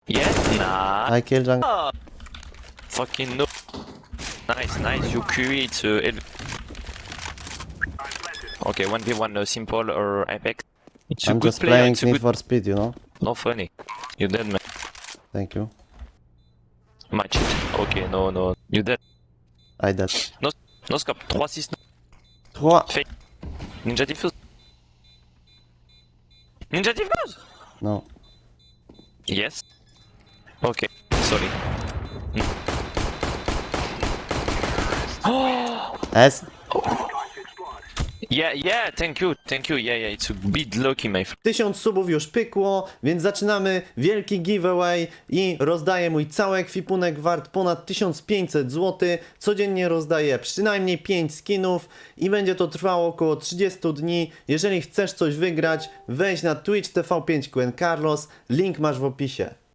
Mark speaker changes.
Speaker 1: Yeah? Nah.
Speaker 2: I kill jungle.
Speaker 1: Oh, fucking no. Nice, nice. You QE, it's okay, 1v1 simple or Apex. It's a
Speaker 2: I'm
Speaker 1: good
Speaker 2: just
Speaker 1: player,
Speaker 2: playing
Speaker 1: it's a
Speaker 2: Need
Speaker 1: good...
Speaker 2: for Speed, you know?
Speaker 1: No funny. You dead, man.
Speaker 2: Thank you.
Speaker 1: Match it. Okay, no, no. You dead.
Speaker 2: I dead.
Speaker 1: No, no scope. 3-6.
Speaker 2: 3.
Speaker 1: Fake. Ninja Diffuse. Ninja Diffuse!
Speaker 2: No.
Speaker 1: Yes. Okay, sorry. Oh!
Speaker 2: S.
Speaker 1: Yeah, yeah, thank you, yeah, yeah, it's a bit lucky, my friend.
Speaker 2: 1000 subów już pykło, więc zaczynamy wielki giveaway i rozdaję mój cały ekwipunek wart ponad 1500 zł. Codziennie rozdaję przynajmniej 5 skinów i będzie to trwało około 30 dni. Jeżeli chcesz coś wygrać, wejdź na Twitch TV5 Quen Carlos, link masz w opisie.